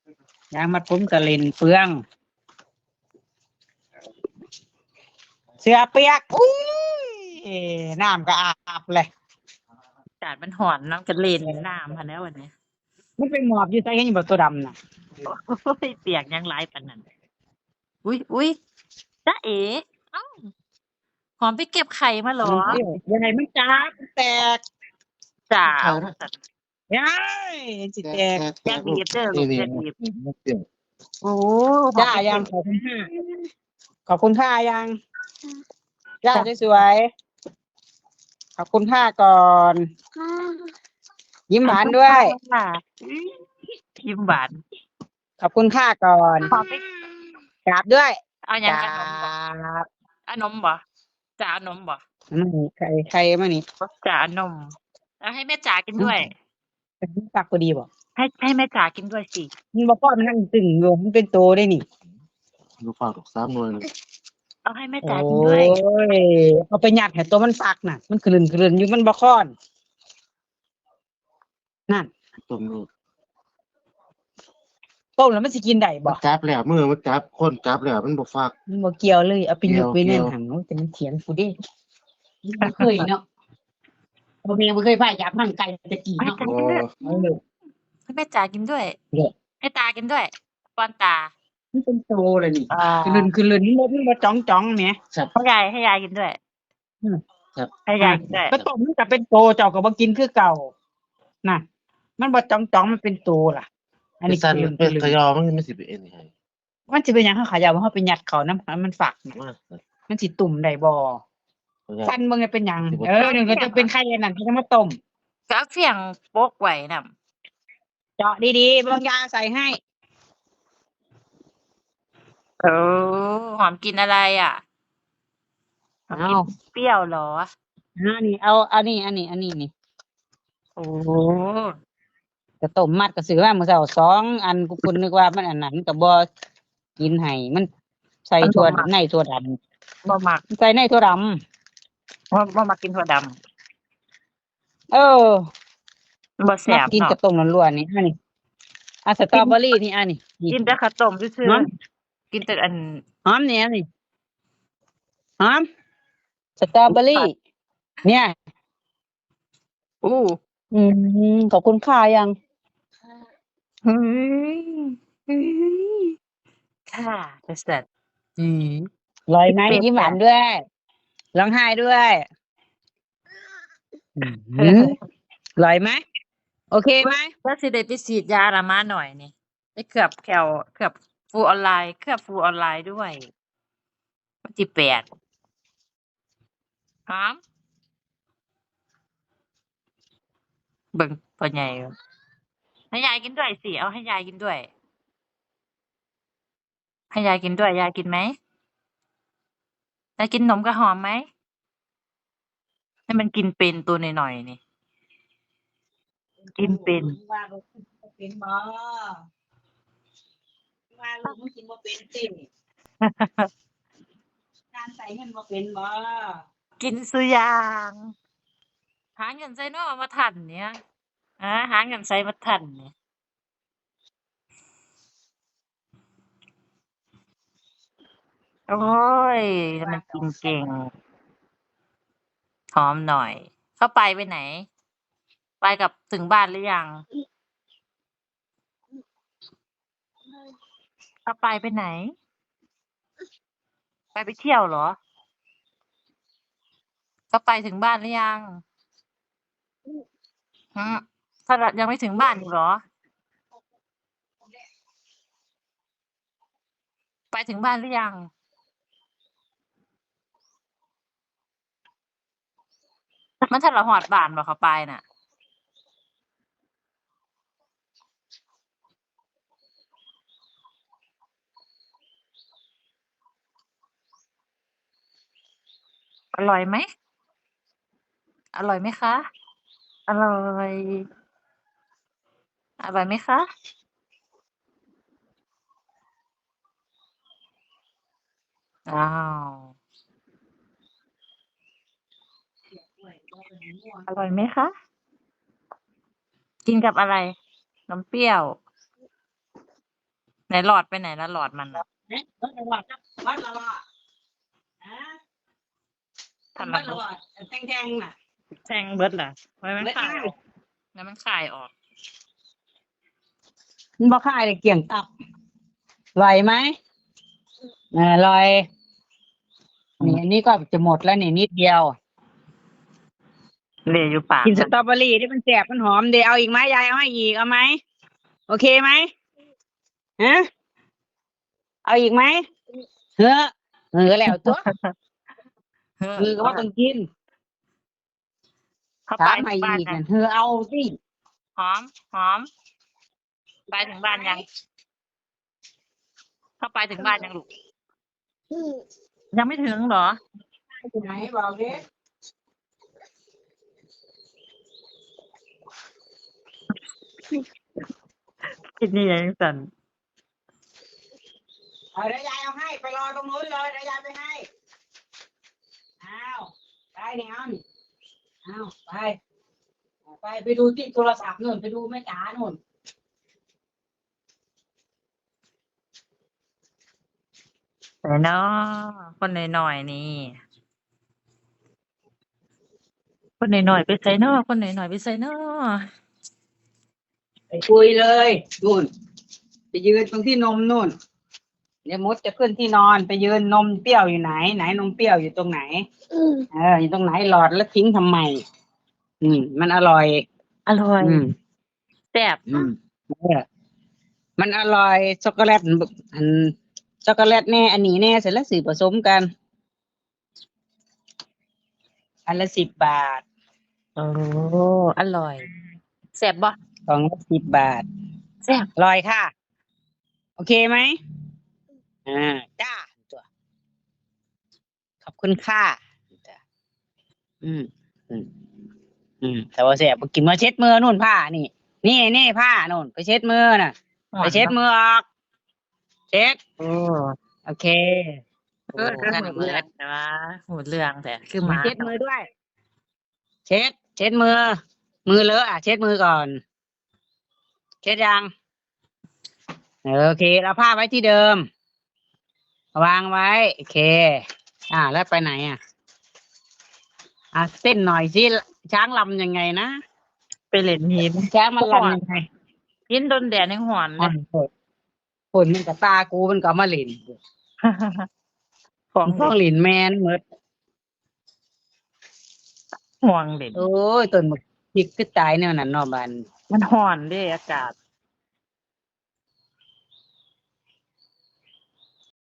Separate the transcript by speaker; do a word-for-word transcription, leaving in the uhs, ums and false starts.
Speaker 1: ยางมัดผมกระเล่นเปลืองเสื้อเปียกอุ้ยน้ำก็อาบเลย
Speaker 2: อากาศมันร้อนน้ำก็เล่นน้ำหั้นแหล้ววันนี้
Speaker 1: มันเป็นหมอบอยู่ใส่เห็นอยู่บ่ตัวดำน่ะ
Speaker 2: โอ้ยเปียกยังหลายปานนั้นอุ๊ยๆจ๊ะเอ๋อ้าวหอมไปเก็บไข่มาเหรอ
Speaker 1: มันเปรี้ยวยังไงมันจ้าบมันแตก
Speaker 2: จ้า
Speaker 3: เขา
Speaker 2: ว่าซั่น
Speaker 1: ยายสิแตก
Speaker 2: อย่าบีบเด้อลู
Speaker 3: นี่
Speaker 2: ก
Speaker 3: นี่
Speaker 2: อย่าบีบ
Speaker 3: มันเปรี้ยว
Speaker 2: โอ้หอม
Speaker 1: ย่า
Speaker 2: ไปเก็
Speaker 1: ยั
Speaker 2: บ
Speaker 1: งขอบคุณค่ะขอบคุณค่ะยังย่าสวยๆขอบคุณค่ะก่อน ยิ้มหวานด้วย
Speaker 2: ค่ะยิ้มหวาน
Speaker 1: ขอบคุณค่ะก่อน
Speaker 2: หอมไป
Speaker 1: กราบด้วย
Speaker 2: เอาหยัง
Speaker 1: กรา
Speaker 2: เอานมบ่
Speaker 1: บ
Speaker 2: เอานมบ่จะเอานมบ่
Speaker 1: นี่ใครใครมานี่
Speaker 2: จะเอานมแล้วให้แม่จ๋ากินด้วย
Speaker 1: ปักพอดีบ่
Speaker 2: ให้ให้แม่จ๋ากินด้วยสิ
Speaker 1: มันบ่พอมันนั่งตึงอยู่มันเป็นโตได้นี่
Speaker 3: ลูกฝากลูกสามหน่วยเลย
Speaker 2: เอาให้แม่
Speaker 1: โอ้
Speaker 2: จ๋ากินด้วย
Speaker 1: ยเอาไปยัดให้ตัวมันฟักน่ะ มันกลืนกลืนอยู่มันบ่ค้อนนั่น
Speaker 3: ต้มลูก
Speaker 1: ต้มแล้วมันสิกินได้บ่
Speaker 3: มันจับแล้วมือมันจับคนจับแล้วมันบ่ฝาก
Speaker 1: มันบ่เกี่ยวเลยเอาไปยกไป
Speaker 3: เกี่
Speaker 1: แน่
Speaker 3: ย
Speaker 1: น
Speaker 3: ว
Speaker 1: หันโอ้ยแต่มันเถียงกูเด้บ่เคยเนาะบ่แม่บ่เคยพาจับมันไก่ตะกี้เนาะ
Speaker 3: โอ้
Speaker 1: เออ
Speaker 2: ให้แม่จ๋ากินด้วย
Speaker 1: เนี่ย
Speaker 2: ให้ตากินด้วยป้อนตา
Speaker 1: มันเป็นโตเลยนี่
Speaker 2: อ่า
Speaker 1: คือลื่นคือลื่นมันบ่มันบ่จ้องจ้องแหม
Speaker 3: จับ
Speaker 2: ให้ยายให้ยายกินด้วย
Speaker 1: อืม
Speaker 3: ครับ
Speaker 2: ให้ยายกินด้วย
Speaker 1: ก็ต้มมันก็เป็นโตเจ้าก็บ่กินคือเก่าน่ะมันบ่จ้องจ้องมันเป็นโตล่ะ อัน
Speaker 3: เป็
Speaker 1: นี้
Speaker 3: นสัน
Speaker 1: คือลื่น
Speaker 3: เป็
Speaker 1: คื
Speaker 3: น
Speaker 1: อลื่
Speaker 3: ข
Speaker 1: น
Speaker 3: ยอมันไม่สิเป็นเอ็นให้
Speaker 1: มันสิเป็นหยังเขาขายาวว่าเฮาไปยัดเขาน้ำมันฝักน่ะ
Speaker 3: มา
Speaker 1: มันสิตุ่มได้บ่
Speaker 3: ขยอ
Speaker 1: ฟันมึงเนี่ยเป็นหยัง
Speaker 3: สิบ่
Speaker 1: เออนี่ก็จะเป็นไข่อันนั้นที่จะมาต้ม
Speaker 2: ก็เอาเฟียงโปกไว้น่ะ
Speaker 1: เจาะดีๆบางยาใส่ให้
Speaker 2: เออหอมกินอะไรอ่ะหอม
Speaker 1: เอา
Speaker 2: กินเปรี้ยวเหรอ
Speaker 1: อ่านี่เอาเอานี่อันนี้อันนี้นี่
Speaker 2: โอ้
Speaker 1: ก็ต้มมัดก็ซื้อมาเมื่อเช้าสองอันกูคุณนึกว่ามันอันนั้นก็บ่กินให้มันใส่ถั่วในถั่วดำ
Speaker 2: บ่มัก
Speaker 1: ใส่ในถั่วดำ
Speaker 2: บ่บ่มักกินถั่วดำ
Speaker 1: เออ
Speaker 2: บ่แซ่
Speaker 1: มา
Speaker 2: บ
Speaker 1: กิน
Speaker 2: เนาะ
Speaker 1: กับต้มล้วนๆนี่อันนี้อ่ะสตรอเบอรี่นี่อันนี้นี่
Speaker 2: กินแต่ข้าวต้มซื่อ
Speaker 1: หอม
Speaker 2: ๆกินแต่อัน
Speaker 1: หอมเนี่ยนี่หอมสตรอเบอรี่ เนี่ย
Speaker 2: อู้
Speaker 1: อืมขอบคุณค่ะยัง
Speaker 2: เฮ้ยเฮ้ยค่ะจะเสร็จอืม
Speaker 1: ลอยไหม
Speaker 2: เป็น
Speaker 1: ยิ้มหวาน
Speaker 2: จ้ะ
Speaker 1: ด้วยร้องไห้ด้วยอืมลอยไหมโอเคไหม
Speaker 2: ว่าสิได้ไปฉีดยาละมาหน่อยนี่ไปเคลือบแคลเคลือบฟูออนไลน์เคลือบฟูออนไลน์ด้วยวันที่แปดหอมเบิ่งพ่อใหญ่อยู่ให้ยายกินด้วยสิเอาให้ยายกินด้วย ให้ยายกินด้วยยายกินไหมยายกินนมกับหอมไหมให้มันกินเป็นตัวหน่อยๆนี่ กินเป็น
Speaker 1: ว่าลูกกินบ่เป็นบ่ว่าลูกมึงกินบ่เป็นติการใส่เงินบ่เป็นบ่
Speaker 2: กินซุอย่างหาเงินใส่เนาะมาทันเนี่ยฮะหาเงินใส่มาทันเนี่ยโอ้ยทำไมกินเก่งหอมหน่อย เข้าไปไปไหน ไปกับถึงบ้านหรือยังเข้าไปไปไหน ไปไปเที่ยวเหรอเข้าไปถึงบ้านหรือยังฮะถ้ายังไม่ถึงบ้านอยู่เหรอ ไปถึงบ้านหรือยังมันถ้าเราหอดบ้านบ่เข้าไปน่ะ อร่อยไหม อร่อยไหมคะ อร่อย อร่อยไหมคะ อ้าว อร่อยไหมคะ กินกับอะไร น้ำเปรี้ยวไหนหลอดไปไหนแล้วหลอดมันอ่ะ
Speaker 1: เอ๊ะวัดละวัดวัดละวัดฮะ
Speaker 2: ทำ
Speaker 1: วั
Speaker 2: ละ
Speaker 1: ดละวัดแทงๆน่ะ
Speaker 2: แทงเบิดล่ะไว้มัน
Speaker 1: เบิด
Speaker 2: ขาย
Speaker 1: ได้
Speaker 2: ออกแล้วมันขายออก
Speaker 1: มันบ่ค่ายเลยเกี่ยงตับไหวไหมอ่าลอยนี่อันนี้ก็จะหมดแล้วนี่นิดเดียว
Speaker 2: เหลยอยู่ปาก
Speaker 1: กินสตรอเบอรี่ที่มันแสบมันหอมเดี๋ยวเอาอีกไหมยายเอาให้อีกเอาไหมโอเคไหมฮะเอาอีกไหมเฮ้อเฮ้อแล้วตัว
Speaker 2: เฮ้อ
Speaker 1: มือก็ว่าต้องกิน
Speaker 2: เขาไป
Speaker 1: ถาม
Speaker 2: ถึ
Speaker 1: ให้
Speaker 2: งบ้าน
Speaker 1: อีก
Speaker 2: ยัง
Speaker 1: นั่นเฮ้อเอาสิ
Speaker 2: หอมหอมไปถึงบ้านยัง เข้าไปถึงบ้านยังลูกยังไม่ถึงเหรอ
Speaker 1: ไหนบอกดิ
Speaker 2: คิดนี่ยังสั่น
Speaker 1: เอาเดี๋ยวยายเอาให้ไปรอตรงนู้นเลยเดี๋ยวยายไปให้เอาไปเนี่ยเอานี่เอาไปไปไปดูที่โทรศัพท์นู่นไปดูแม่จ๋านู่น
Speaker 2: แต่เนาะคนหน่อยๆนี่ คนหน่อยๆไปใส่เนาะคนหน่อยๆไปใส่เนาะ
Speaker 1: ไปคุยเลยนู่นไปยืนตรงที่นมนู่นเดี๋ยวมดจะขึ้นที่นอนไปยืนนมเปรี้ยวอยู่ไหน ไหนนมเปรี้ยวอยู่ตรงไหนเอออยู่ตรงไหนหลอดแล้วทิ้งทำไม อืม มันอร่อย
Speaker 2: อร่อย
Speaker 1: อืม
Speaker 2: แซ่บ
Speaker 1: อืมเออมันอร่อยช็อกโกแลตอันช็อกโกแลตแน่อันนี้แน่เสร็จแล้วสื่อผสมกัน อันละสิบบาท
Speaker 2: โอ้อร่อยแซ่บบ่
Speaker 1: กล่องละสิบบาท
Speaker 2: แซ่บ
Speaker 1: อร่อยค่ะ โอเคไหมอ่าจ้าตัวขอบคุณค่ะจ้ะอืม อืม อืมแต่ว่าเสียบกินมาเช็ดมือนู่นผ้านี่ นี่นี่ผ้านู่นไปเช็ดมือน่ะ ไปเช็ดมือออก เช็ด
Speaker 2: โอ้
Speaker 1: โอเค
Speaker 2: โอ้นั่นหมดเรื่องนะหมดเรื่องแต่คือห
Speaker 1: มา
Speaker 2: มา
Speaker 1: เช็ดมือด้วย เช็ด เช็ดมือ มือเลอะอ่ะ เช็ดมือก่อน เช็ดยังเออโอเคเอาผ้าไว้ที่เดิม วางไว้ โอเค อ่า แล้วไปไหนอ่ะ อ่ะเต้นหน่อยสิช้างลำยังไงนะ
Speaker 2: ไปเล่นหิน
Speaker 1: ช้างมันลำยังไง
Speaker 2: หินโดนแดดยังหอนเล
Speaker 1: อ่ะ
Speaker 2: ย
Speaker 1: ฝนฝนมันกับตากูมันก็เอามาหลิน
Speaker 2: ของ
Speaker 1: ท้องหลินแมนหมด
Speaker 2: ห่วงเด่น
Speaker 1: โอ้ยต้นหมกพริกก็ตายแนวนั้นเนอบัน
Speaker 2: มันหอนเด้อากาศ